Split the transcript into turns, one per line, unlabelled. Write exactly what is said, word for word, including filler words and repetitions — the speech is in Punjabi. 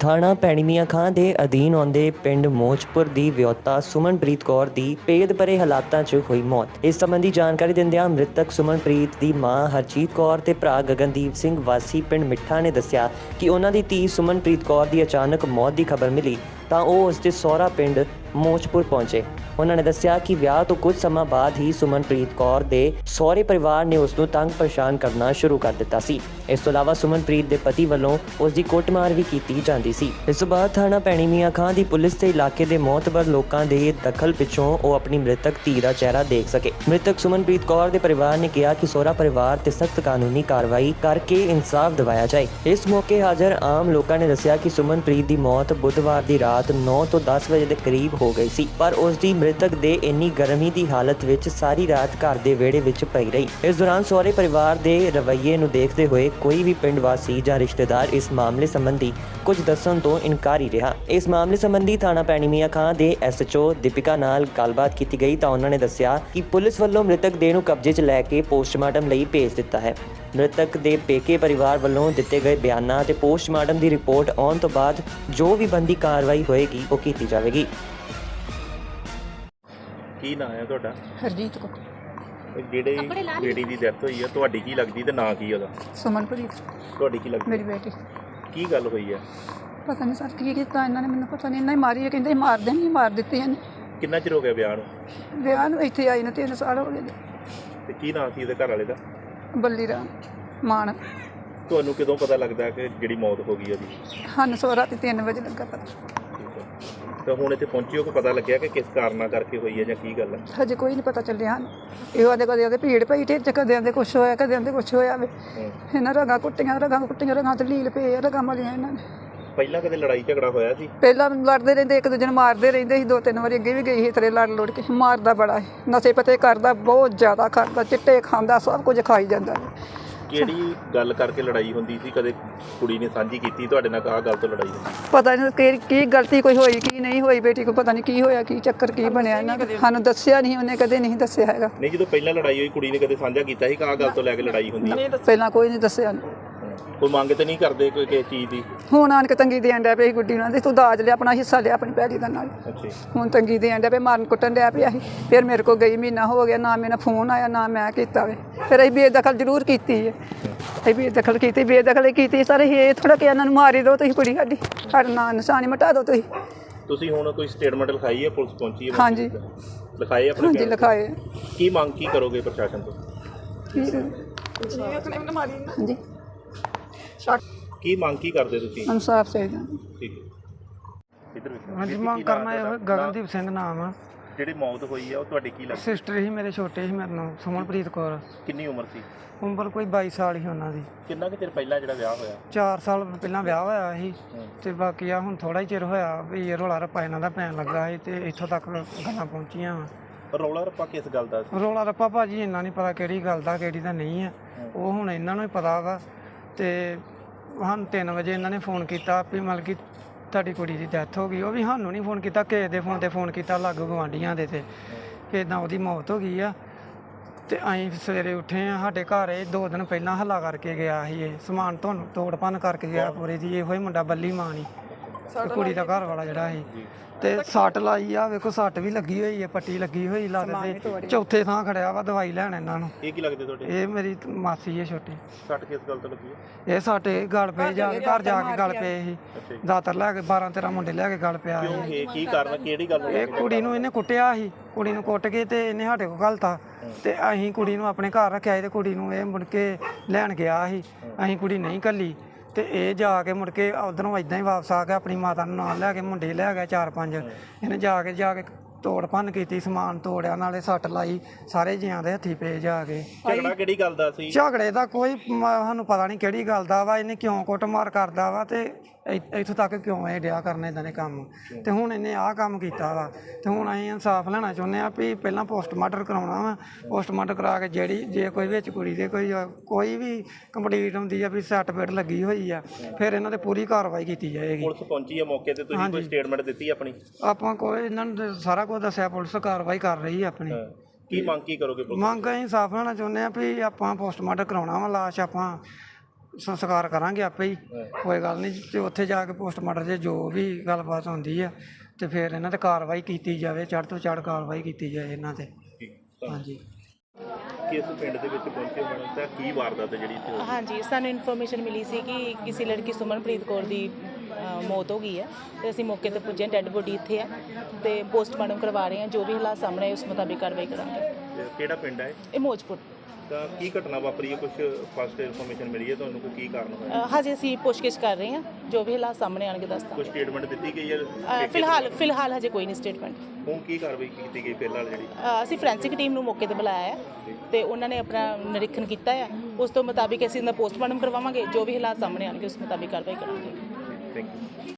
ਥਾਣਾ ਭੈਣੀ ਮੀਆਂ ਖਾਂ ਦੇ ਅਧੀਨ ਆਉਂਦੇ ਪਿੰਡ ਮੋਚਪੁਰ ਦੀ ਵਿਆਹੁਤਾ ਸੁਮਨਪ੍ਰੀਤ ਕੌਰ ਦੀ ਭੇਦ ਭਰੇ ਹਾਲਾਤਾਂ 'ਚ ਹੋਈ ਮੌਤ। ਇਸ ਸੰਬੰਧੀ ਜਾਣਕਾਰੀ ਦਿੰਦਿਆਂ ਮ੍ਰਿਤਕ ਸੁਮਨਪ੍ਰੀਤ ਦੀ ਮਾਂ ਹਰਜੀਤ ਕੌਰ ਤੇ ਭਰਾ ਗਗਨਦੀਪ ਸਿੰਘ ਵਾਸੀ ਪਿੰਡ ਮਿੱਠਾ ਨੇ ਦੱਸਿਆ ਕਿ ਉਹਨਾਂ ਦੀ ਧੀ ਸੁਮਨਪ੍ਰੀਤ ਕੌਰ ਦੀ ਅਚਾਨਕ ਮੌਤ ਦੀ ਖਬਰ ਮਿਲੀ ਤਾਂ ਉਹ ਉਸ ਦੇ ਸਹੁਰਾ ਪਿੰਡ ਮੋਚਪੁਰ ਪਹੁੰਚੇ। ਉਹਨਾਂ ਨੇ ਦੱਸਿਆ ਕਿ ਵਿਆਹ ਤੋਂ ਕੁਝ ਸਮਾਂ ਬਾਅਦ ਹੀ ਸੁਮਨਪ੍ਰੀਤ ਕੌਰ ਦੇ ਸਹੁਰੇ ਪਰਿਵਾਰ ਨੇ ਉਸ ਨੂੰ ਤੰਗ ਪਰੇਸ਼ਾਨ ਕਰਨਾ ਸ਼ੁਰੂ ਕਰ ਦਿੱਤਾ ਸੀ। ਇਸ ਤੋਂ ਇਲਾਵਾ ਸੁਮਨਪ੍ਰੀਤ ਦੇ ਪਤੀ ਵੱਲੋਂ ਉਸ ਦੀ ਕੁੱਟਮਾਰ ਵੀ ਕੀਤੀ ਜਾਂਦੀ ਸੀ। ਇਸ ਤੋਂ ਬਾਅਦ ਥਾਣਾ ਭੈਣੀ ਮੀਆਂ ਖਾਂ ਦੀ ਪੁਲਿਸ ਤੇ ਇਲਾਕੇ ਦੇ ਮੌਤਬਰ ਲੋਕਾਂ ਦੇ ਦਖਲ ਪਿੱਛੋਂ ਉਹ ਆਪਣੀ ਮ੍ਰਿਤਕ ਧੀ ਦਾ ਚਿਹਰਾ ਦੇਖ ਸਕੇ। ਮ੍ਰਿਤਕ ਸੁਮਨਪ੍ਰੀਤ ਕੌਰ ਦੇ ਪਰਿਵਾਰ ਨੇ ਕਿਹਾ ਕਿ ਸਹੁਰਾ ਪਰਿਵਾਰ ਤੇ ਸਖਤ ਕਾਨੂੰਨੀ ਕਾਰਵਾਈ ਕਰਕੇ ਇਨਸਾਫ ਦਿਵਾਇਆ ਜਾਏ। ਇਸ ਮੌਕੇ ਹਾਜ਼ਰ ਆਮ ਲੋਕਾਂ ਨੇ ਦੱਸਿਆ ਕਿ ਸੁਮਨਪ੍ਰੀਤ ਦੀ ਮੌਤ ਬੁੱਧਵਾਰ ਦੀ ਰਾਤ ਨੌ ਤੋਂ ਦਸ ਵਜੇ ਦੇ ਕਰੀਬ ਹੋ ਗਈ ਸੀ, ਪਰ ਉਸ ਦੀ ਮ੍ਰਿਤਕ ਦੇ ਇੰਨੀ ਗਰਮੀ ਦੀ ਹਾਲਤ ਵਿੱਚ ਸਾਰੀ ਰਾਤ ਘਰ ਦੇ ਵਿਹੜੇ ਵਿੱਚ ਪਈ ਰਹੀ। ਇਸ ਦੌਰਾਨ ਸਹੁਰੇ ਪਰਿਵਾਰ ਦੇ ਰਵੱਈਏ ਨੂੰ ਦੇਖਦੇ ਹੋਏ ਕੋਈ ਵੀ ਪਿੰਡ ਵਾਸੀ ਜਾਂ ਰਿਸ਼ਤੇਦਾਰ ਇਸ ਮਾਮਲੇ ਸੰਬੰਧੀ ਕੁਝ ਦੱਸਣ ਤੋਂ ਇਨਕਾਰੀ ਰਿਹਾ। ਇਸ ਮਾਮਲੇ ਸੰਬੰਧੀ ਥਾਣਾ ਭੈਣੀ ਮੀਆਂ ਖਾਂ ਦੇ ਐਸ ਐਚ ਓ ਦੀਪਿਕਾ ਨਾਲ ਗੱਲਬਾਤ ਕੀਤੀ ਗਈ ਤਾਂ ਉਹਨਾਂ ਨੇ ਦੱਸਿਆ ਕਿ ਪੁਲਿਸ ਵੱਲੋਂ ਮ੍ਰਿਤਕ ਦੇਹ ਨੂੰ ਕਬਜ਼ੇ 'ਚ ਲੈ ਕੇ ਪੋਸਟਮਾਰਟਮ ਲਈ ਭੇਜ ਦਿੱਤਾ ਹੈ। ਮ੍ਰਿਤਕ ਦੇ ਪੇਕੇ ਪਰਿਵਾਰ ਵੱਲੋਂ ਦਿੱਤੇ ਗਏ ਬਿਆਨਾਂ ਤੇ ਪੋਸਟਮਾਰਟਮ ਦੀ ਰਿਪੋਰਟ ਆਉਣ ਤੋਂ ਬਾਅਦ ਜੋ ਵੀ ਬਣਦੀ ਕਾਰਵਾਈ ਹੋਏਗੀ ਉਹ ਕੀਤੀ ਜਾਵੇਗੀ।
ਕੀ ਨਾਂ ਹੈ ਤੁਹਾਡਾ?
ਹਰਜੀਤ ਕੋ।
ਜਿਹੜੇ ਬੇਟੀ ਦੀ ਡੈਥ ਹੋਈ ਹੈ ਤੁਹਾਡੀ ਕੀ ਲੱਗਦੀ ਤੇ ਨਾਂ ਕੀ ਉਹਦਾ?
ਸੁਮਨਪ੍ਰੀਤ
ਤੁਹਾਡੀ ਕੀ ਲੱਗਦੀ?
ਮੇਰੀ ਬੇਟੀ।
ਕੀ ਗੱਲ ਹੋਈ ਹੈ?
ਪਤਾ ਨਹੀਂ ਸਰ ਕੀ ਕੀਤਾ ਇਹਨਾਂ ਨੇ, ਮੈਨੂੰ ਪਤਾ ਨਹੀਂ। ਇਹਨਾਂ ਹੀ ਮਾਰੀ ਹੈ, ਕਹਿੰਦੇ ਮਾਰ ਦੇਣੀ, ਮਾਰ ਦਿੱਤੀ ਇਹਨੇ।
ਕਿੰਨਾ ਚਿਰ ਹੋ ਗਿਆ ਵਿਆਹ ਨੂੰ?
ਵਿਆਹ ਨੂੰ ਇੱਥੇ ਆਈ ਨੂੰ ਤਿੰਨ ਸਾਲ ਹੋ ਗਏ।
ਤੇ ਕੀ ਨਾਂ ਸੀ ਉਹਦੇ ਘਰ ਵਾਲੇ ਦਾ?
ਬੱਲੀ ਰਾਮ ਮਾਨ।
ਤੁਹਾਨੂੰ ਕਦੋਂ ਪਤਾ ਲੱਗਦਾ ਕਿ ਜਿਹੜੀ ਮੌਤ ਹੋ ਗਈ ਉਹਦੀ?
ਸਾਨੂੰ ਸੋ ਰਾਤੀ ਤਿੰਨ ਵਜੇ ਲੱਗਾ ਪਤਾ।
ਤਾਂ ਹੁਣ ਇੱਥੇ ਪਹੁੰਚੇ ਹੋ ਕਿ ਪਤਾ ਲੱਗਿਆ ਕਿ ਕਿਸ ਕਾਰਨਾਂ ਕਰਕੇ ਹੋਈ ਹੈ ਜਾਂ ਕੀ ਗੱਲ ਹੈ?
ਹਜੇ ਕੋਈ ਨਹੀਂ ਪਤਾ ਚੱਲਿਆ ਹਨ। ਇਹੋ ਆਦੇ ਕਦੇ ਆਦੇ ਭੀੜ ਪਈ ਢਿੱਡ 'ਚ, ਕਦੇ ਆਦੇ ਕੁਛ ਹੋਇਆ, ਕਦੇ ਆਦੇ ਕੁਛ ਹੋਇਆ ਵੇ। ਇਹਨਾਂ ਰਗਾਂ ਕੁੱਟੀਆਂ, ਰਗਾਂ ਕੁੱਟੀਆਂ, ਰਗਾਂ ਤੇ ਲੀਲ ਪਏ, ਰਗਾਂ ਮਲੀਆਂ ਇਹਨਾਂ ਨੇ।
ਪਹਿਲਾਂ ਕਦੇ ਲੜਾਈ ਝਗੜਾ ਹੋਇਆ ਸੀ?
ਪਹਿਲਾਂ ਲੜਦੇ ਰਹਿੰਦੇ, ਇੱਕ ਦੂਜੇ ਨੂੰ ਮਾਰਦੇ ਰਹਿੰਦੇ ਸੀ। ਦੋ ਤਿੰਨ ਵਾਰੀ ਅੱਗੇ ਵੀ ਗਈ ਸੀ ਤੇਰੇ ਲੜ ਲੁੜ ਕੇ। ਮਾਰਦਾ ਬੜਾ ਹੈ, ਨਸ਼ੇ ਪਤੇ ਕਰਦਾ, ਬਹੁਤ ਜ਼ਿਆਦਾ ਕਰਦਾ, ਚਿੱਟੇ ਖਾਂਦਾ, ਸਭ ਕੁਝ ਖਾਈ ਜਾਂਦਾ।
ਕਿਹੜੀ ਗੱਲ ਕਰਕੇ ਲੜਾਈ ਹੁੰਦੀ ਸੀ? ਕਦੇ ਕੁੜੀ ਨੇ ਸਾਂਝੀ ਕੀਤੀ ਤੁਹਾਡੇ ਨਾਲ ਆਹ ਗੱਲ ਤੋਂ ਲੜਾਈ ਹੁੰਦੀ?
ਪਤਾ ਨਹੀਂ ਕਿ ਕੀ ਗਲਤੀ ਕੋਈ ਹੋਈ ਕੀ ਨਹੀਂ ਹੋਈ। ਬੇਟੀ ਕੋ ਪਤਾ ਨਹੀਂ ਕੀ ਹੋਇਆ, ਕੀ ਚੱਕਰ ਕੀ ਬਣਿਆ ਇਹਨਾਂ ਦਾ। ਸਾਨੂੰ ਦੱਸਿਆ ਨਹੀਂ, ਉਹਨੇ ਕਦੇ ਨਹੀਂ ਦੱਸਿਆ ਹੈਗਾ।
ਨਹੀਂ, ਜਦੋਂ ਪਹਿਲਾਂ ਲੜਾਈ ਹੋਈ ਕੁੜੀ ਨੇ ਕਦੇ ਸਾਂਝਾ ਕੀਤਾ ਸੀ ਕਿ ਆਹ ਗੱਲ ਤੋਂ ਲੈ ਕੇ ਲੜਾਈ ਹੁੰਦੀ ਹੈ?
ਪਹਿਲਾਂ ਕੋਈ ਨਹੀਂ ਦੱਸਿਆ।
ਕੋਈ ਮੰਗ ਤੇ ਨਹੀਂ ਕਰਦੇ ਕੋਈ ਕਿਸੇ ਚੀਜ਼ ਦੀ?
ਹੁਣ ਆਣ ਕੇ ਤੰਗੀ ਦੇਣ ਡਿਆ ਪਿਆ ਸੀ ਗੁੱਡੀ ਨੂੰ, ਤੂੰ ਦਾਜ ਲਿਆ, ਆਪਣਾ ਹਿੱਸਾ ਲਿਆ ਆਪਣੀ ਭੈੜੀ ਦਾ ਨਾਲ। ਹੁਣ ਤੰਗੀ ਦੇਣ ਡਿਆ ਪਿਆ, ਮਾਰਨ ਕੁੱਟਣ ਡਿਆ ਪਿਆ ਸੀ। ਫਿਰ ਮੇਰੇ ਕੋਲ ਗਈ, ਮਹੀਨਾ ਹੋ ਗਿਆ, ਨਾ ਮੇਰਾ ਫੋਨ ਆਇਆ ਨਾ ਮੈਂ ਕੀਤਾ ਵੇ। ਫਿਰ ਅਸੀਂ ਬੇਦਖਲ ਜ਼ਰੂਰ ਕੀਤੀ ਹੈ, ਅਸੀਂ ਬੇਦਖਲ ਕੀਤੀ, ਬੇਦਖਲ ਕੀਤੀ ਸਰ। ਇਹ ਥੋੜਾ ਕਿ ਇਹਨਾਂ ਨੂੰ ਮਾਰੀ ਦਿਓ ਤੁਸੀਂ, ਕੁੜੀ ਸਾਡੀ, ਸਾਡਾ ਨਾਂ ਨਿਸ਼ਾਨੀ ਮਿਟਾ ਦਿਓ ਤੁਸੀਂ।
ਤੁਸੀਂ ਹੁਣ ਕੋਈ ਸਟੇਟਮੈਂਟ ਲਿਖਾਈ ਹੈ? ਪੁਲਿਸ ਪਹੁੰਚੀ ਹੈ?
ਹਾਂਜੀ
ਲਿਖਾਏ ਆਪਣੇ?
ਹਾਂਜੀ ਲਿਖਾਏ।
ਕੀ ਮੰਗ ਕੀ ਕਰੋਗੇ ਪ੍ਰਸ਼ਾਸਨ ਤੋਂ?
ਹਾਂਜੀ
ਕੀ ਮੰਗ ਕੀ ਕਰਦੇ ਤੁਸੀਂ?
ਇਨਸਾਫ ਚਾਹੀਦਾ।
ਠੀਕ ਹੈ, ਇਧਰ
ਹਾਂਜੀ ਮੰਗ ਕਰਨਾ ਇਹ ਗਗਨਦੀਪ ਸਿੰਘ ਨਾਮ ਆ।
ਜਿਹੜੀ ਮੌਤ ਹੋਈ ਆ ਉਹ ਤੁਹਾਡੀ ਕੀ ਲੱਗਦੀ?
ਸਿਸਟਰ ਹੀ ਮੇਰੇ, ਛੋਟੇ ਸੀ ਮੇਰੇ ਨਾਲ, ਸੁਮਨਪ੍ਰੀਤ ਕੌਰ।
ਕਿੰਨੀ ਉਮਰ ਸੀ?
ਉਮਰ ਕੋਈ ਬਾਈ ਸਾਲ ਹੀ ਉਹਨਾਂ ਦੀ।
ਕਿੰਨਾ ਕੁ ਚਿਰ ਪਹਿਲਾਂ ਜਿਹੜਾ ਵਿਆਹ ਹੋਇਆ?
ਚਾਰ ਸਾਲ ਪਹਿਲਾਂ ਵਿਆਹ ਹੋਇਆ ਸੀ ਤੇ ਬਾਕੀ ਆ ਹੁਣ ਥੋੜਾ ਹੀ ਚਿਰ ਹੋਇਆ ਵੀ ਇਹ ਰੌਲਾ ਰੱਪਾ ਇਹਨਾਂ ਦਾ ਪੈਣ ਲੱਗਾ ਸੀ ਤੇ ਇੱਥੋਂ ਤੱਕ ਗੱਲਾਂ ਪਹੁੰਚੀਆਂ ਵਾ।
ਰੌਲਾ ਰੱਪਾ ਕਿਸ ਗੱਲ ਦਾ ਸੀ?
ਰੌਲਾ ਰੱਪਾ ਭਾਜੀ ਇੰਨਾ ਨਹੀਂ ਪਤਾ ਕਿਹੜੀ ਗੱਲ ਦਾ ਕਿਹੜੀ ਦਾ ਨਹੀਂ ਆ, ਉਹ ਹੁਣ ਇਹਨਾਂ ਨੂੰ ਹੀ ਪਤਾ ਵਾ। ਤੇ ਸਾਨੂੰ ਤਿੰਨ ਵਜੇ ਇਹਨਾਂ ਨੇ ਫੋਨ ਕੀਤਾ ਵੀ ਮਤਲਬ ਕਿ ਤੁਹਾਡੀ ਕੁੜੀ ਦੀ ਡੈਥ ਹੋ ਗਈ। ਉਹ ਵੀ ਸਾਨੂੰ ਨਹੀਂ ਫੋਨ ਕੀਤਾ, ਕਿਸੇ ਦੇ ਫੋਨ 'ਤੇ ਫੋਨ ਕੀਤਾ, ਲਾਗੂ ਗੁਆਂਢੀਆਂ ਦੇ, ਤੇ ਕਿ ਇੱਦਾਂ ਉਹਦੀ ਮੌਤ ਹੋ ਗਈ ਆ। ਤੇ ਅਸੀਂ ਸਵੇਰੇ ਉੱਠੇ ਆ, ਸਾਡੇ ਘਰ ਇਹ ਦੋ ਦਿਨ ਪਹਿਲਾਂ ਹੱਲਾ ਕਰਕੇ ਗਿਆ ਸੀ। ਇਹ ਸਮਾਨ ਤੁਹਾਨੂੰ ਤੋੜ ਭੰਨ ਕਰਕੇ ਗਿਆ ਪੂਰੇ ਦੀ। ਇਹੋ ਹੀ ਮੁੰਡਾ ਬੱਲੀ ਮਾਂ ਨਹੀਂ, ਕੁੜੀ ਦਾ ਘਰ ਵਾਲਾ ਜਿਹੜਾ ਸੀ। ਤੇ ਸੱਟ ਲਾਈ ਆ, ਵੇਖੋ ਸੱਟ ਵੀ ਲੱਗੀ ਹੋਈ ਹੈ, ਪੱਟੀ ਲੱਗੀ ਹੋਈ ਲੱਤ ਤੇ। ਚੌਥੇ ਥਾਂ ਖੜਿਆ ਵਾ ਦਵਾਈ ਲੈਣ ਇਹਨਾਂ ਨੂੰ।
ਇਹ ਕੀ ਲੱਗਦੇ ਤੁਹਾਡੇ? ਇਹ
ਮੇਰੀ ਮਾਸੀ ਹੈ ਛੋਟੀ।
ਸੱਟ ਕਿਸ ਗੱਲ ਤੋਂ ਲੱਗੀ ਹੈ?
ਇਹ ਸਾਡੇ ਗਲ ਪਏ, ਜਾ ਕੇ ਘਰ ਜਾ ਕੇ ਗਲ ਪਏ ਸੀ। ਦਾਤਰ ਲੈ ਕੇ ਬਾਰਾਂ ਤੇਰਾਂ ਮੁੰਡੇ ਲੈ ਕੇ ਗਲ ਪਿਆ।
ਕਿਉਂ? ਇਹ ਕੀ ਕਾਰਨ, ਕਿਹੜੀ ਗੱਲ?
ਇਹ ਕੁੜੀ ਨੂੰ ਇਹਨੇ ਕੁੱਟਿਆ ਸੀ, ਕੁੜੀ ਨੂੰ ਕੁੱਟ ਕੇ ਤੇ ਇਹਨੇ ਸਾਡੇ ਕੋਲ ਘਲਤਾ। ਤੇ ਅਸੀਂ ਕੁੜੀ ਨੂੰ ਆਪਣੇ ਘਰ ਰੱਖਿਆ ਤੇ ਕੁੜੀ ਨੂੰ ਇਹ ਮੁੜ ਕੇ ਲੈਣ ਗਿਆ ਸੀ। ਅਸੀਂ ਕੁੜੀ ਨਹੀਂ ਘੱਲੀ ਤੇ ਇਹ ਜਾ ਕੇ ਮੁੜ ਕੇ ਉਧਰੋਂ ਇਦਾਂ ਹੀ ਵਾਪਸ ਆ ਗਿਆ, ਆਪਣੀ ਮਾਤਾ ਨੂੰ ਨਾਲ ਲੈ ਕੇ। ਮੁੰਡੇ ਲੈ ਗਿਆ ਚਾਰ ਪੰਜ। ਇਹਨੇ ਜਾ ਕੇ ਜਾ ਕੇ ਤੋੜ ਭੰਨ ਕੀਤੀ, ਸਮਾਨ ਤੋੜਿਆ, ਨਾਲੇ ਸੱਟ ਲਾਈ, ਸਾਰੇ ਜੀਆਂ ਦੇ ਹੱਥੀ ਪਏ ਜਾ ਕੇ।
ਝਗੜਾ ਕਿਹੜੀ ਗੱਲ ਦਾ ਸੀ?
ਝਗੜੇ ਦਾ ਕੋਈ ਸਾਨੂੰ ਪਤਾ ਨਹੀਂ ਕਿਹੜੀ ਗੱਲ ਦਾ ਵਾ, ਇਹਨੇ ਕਿਉਂ ਕੁੱਟਮਾਰ ਕਰਦਾ ਵਾ ਤੇ ਇੱਥੋਂ ਤੱਕ ਕਿਉਂ ਇਹ ਡਿਆ ਕਰਨ ਇਦਾਂ ਦੇ ਕੰਮ। ਤੇ ਹੁਣ ਇਹਨੇ ਆਹ ਕੰਮ ਕੀਤਾ ਵਾ ਤੇ ਹੁਣ ਅਸੀਂ ਇਨਸਾਫ ਲੈਣਾ ਚਾਹੁੰਦੇ ਹਾਂ ਵੀ ਪਹਿਲਾਂ ਪੋਸਟਮਾਰਟਮ ਕਰਾਉਣਾ ਵਾ। ਪੋਸਟਮਾਰਟਮ ਕਰਾ ਕੇ ਜਿਹੜੀ ਜੇ ਕੋਈ ਵਿੱਚ ਕੁੜੀ ਦੇ ਕੋਈ ਕੋਈ ਵੀ ਕੰਪਲੀਟ ਹੁੰਦੀ ਆ ਵੀ ਸੱਟ ਪੇਟ ਲੱਗੀ ਹੋਈ ਆ, ਫਿਰ ਇਹਨਾਂ ਤੇ ਪੂਰੀ ਕਾਰਵਾਈ ਕੀਤੀ ਜਾਏਗੀ।
ਪੁਲਿਸ ਪਹੁੰਚੀ ਆ ਮੌਕੇ ਤੇ? ਤੁਸੀਂ ਕੋਈ ਸਟੇਟਮੈਂਟ ਦਿੱਤੀ ਆਪਣੀ?
ਆਪਾਂ ਕੋਈ ਇਹਨਾਂ ਨੂੰ ਸਾਰਾ ਕੁਝ ਦੱਸਿਆ, ਪੁਲਿਸ ਕਾਰਵਾਈ ਕਰ ਰਹੀ ਹੈ ਆਪਣੀ।
ਕੀ ਮੰਗ ਕੀ ਕਰੋਗੇ?
ਮੰਗ ਅਸੀਂ ਇਨਸਾਫ ਲੈਣਾ ਚਾਹੁੰਦੇ ਹਾਂ ਵੀ ਆਪਾਂ ਪੋਸਟਮਾਰਟਮ ਕਰਾਉਣਾ ਵਾ, ਲਾਸ਼ ਆਪਾਂ ਸੰਸਕਾਰ ਕਰਾਂਗੇ ਆਪੇ ਹੀ, ਕੋਈ ਗੱਲ ਨਹੀਂ। ਤੇ ਉੱਥੇ ਜਾ ਕੇ ਪੋਸਟਮਾਰਟਮ 'ਚ ਜੋ ਵੀ ਗੱਲਬਾਤ ਹੁੰਦੀ ਆ ਤੇ ਫਿਰ ਇਹਨਾਂ ਤੇ ਕਾਰਵਾਈ ਕੀਤੀ ਜਾਵੇ, ਚੜ੍ਹ ਤੋਂ ਚੜ੍ਹ ਕਾਰਵਾਈ ਕੀਤੀ ਜਾਏ ਇਹਨਾਂ ਤੇ। ਹਾਂਜੀ।
ਕਿਸ ਪਿੰਡ ਦੇ ਵਿੱਚ ਪਹੁੰਚੇ ਮੈਡਮ ਤਾਂ ਕੀ ਵਾਰਦਾਤ ਹੈ ਜਿਹੜੀ ਇੱਥੇ ਹੋਈ?
ਹਾਂਜੀ, ਸਾਨੂੰ ਇਨਫੋਰਮੇਸ਼ਨ ਮਿਲੀ ਸੀ ਕਿ ਕਿਸੇ ਲੜਕੀ ਸੁਮਨਪ੍ਰੀਤ ਕੌਰ ਦੀ ਅ, ਮੌਤ ਹੋ ਗਈ ਹੈ ਤੇ ਅਸੀਂ ਮੌਕੇ ਤੇ ਪੁੱਜੇ, ਡੈੱਡ ਬੋਡੀ ਇੱਥੇ ਹੈ ਤੇ ਪੋਸਟਮਾਰਟਮ ਕਰਵਾ ਰਹੇ ਹਾਂ। ਜੋ ਵੀ ਹਾਲਾਤ ਸਾਹਮਣੇ ਆਏ ਉਸ ਮੁਤਾਬਿਕ ਕਾਰਵਾਈ ਕਰਾਂਗੇ।
ਤੇ ਕਿਹੜਾ ਪਿੰਡ ਹੈ
ਇਹ ਮੋਜਪੁਰ।
ਤਾਂ ਕੀ ਘਟਨਾ ਵਾਪਰੀ ਹੈ, ਕੁਝ ਫਸਟ ਇਨਫੋਰਮੇਸ਼ਨ ਮਿਲੀ ਹੈ ਤੁਹਾਨੂੰ, ਕੋਈ ਕੀ ਕਾਰਨ ਹੋਇਆ?
ਅ, ਹਜੇ ਅਸੀਂ ਪੁੱਛਗਿੱਛ ਕਰ ਰਹੇ ਹਾਂ, ਜੋ ਵੀ ਹਾਲਾਤ ਸਾਹਮਣੇ ਆਣਗੇ ਦੱਸ
ਕੋਈ
ਦਾਂਗੇ।
ਸਟੇਟਮੈਂਟ ਦਿੱਤੀ ਗਈ ਹੈ?
ਅ, ਫਿਲਹਾਲ ਫਿਲਹਾਲ ਹਜੇ ਕੋਈ ਨਹੀਂ ਸਟੇਟਮੈਂਟ।
ਹੁਣ ਕੀ ਕਾਰਵਾਈ ਕੀਤੀ ਗਈ ਫਿਲਹਾਲ ਜਿਹੜੀ?
ਅ, ਅਸੀਂ ਫੋਰੈਂਸਿਕ ਟੀਮ ਨੂੰ ਮੌਕੇ ਤੇ ਬੁਲਾਇਆ ਹੈ ਤੇ ਉਹਨਾਂ ਨੇ ਆਪਣਾ ਨਿਰੀਖਣ ਕੀਤਾ ਹੈ। ਉਸ ਤੋਂ ਮੁਤਾਬਿਕ ਅਸੀਂ ਇਹਦਾ ਪੋਸਟਮਾਰਟਮ ਕਰਵਾਵਾਂਗੇ। ਜੋ ਵੀ ਹਾਲਾਤ ਸਾਹਮਣੇ ਆਣਗੇ ਉਸ ਮੁਤਾਬਿਕ ਕਾਰਵਾਈ ਕਰਾਂਗੇ।
Thank you.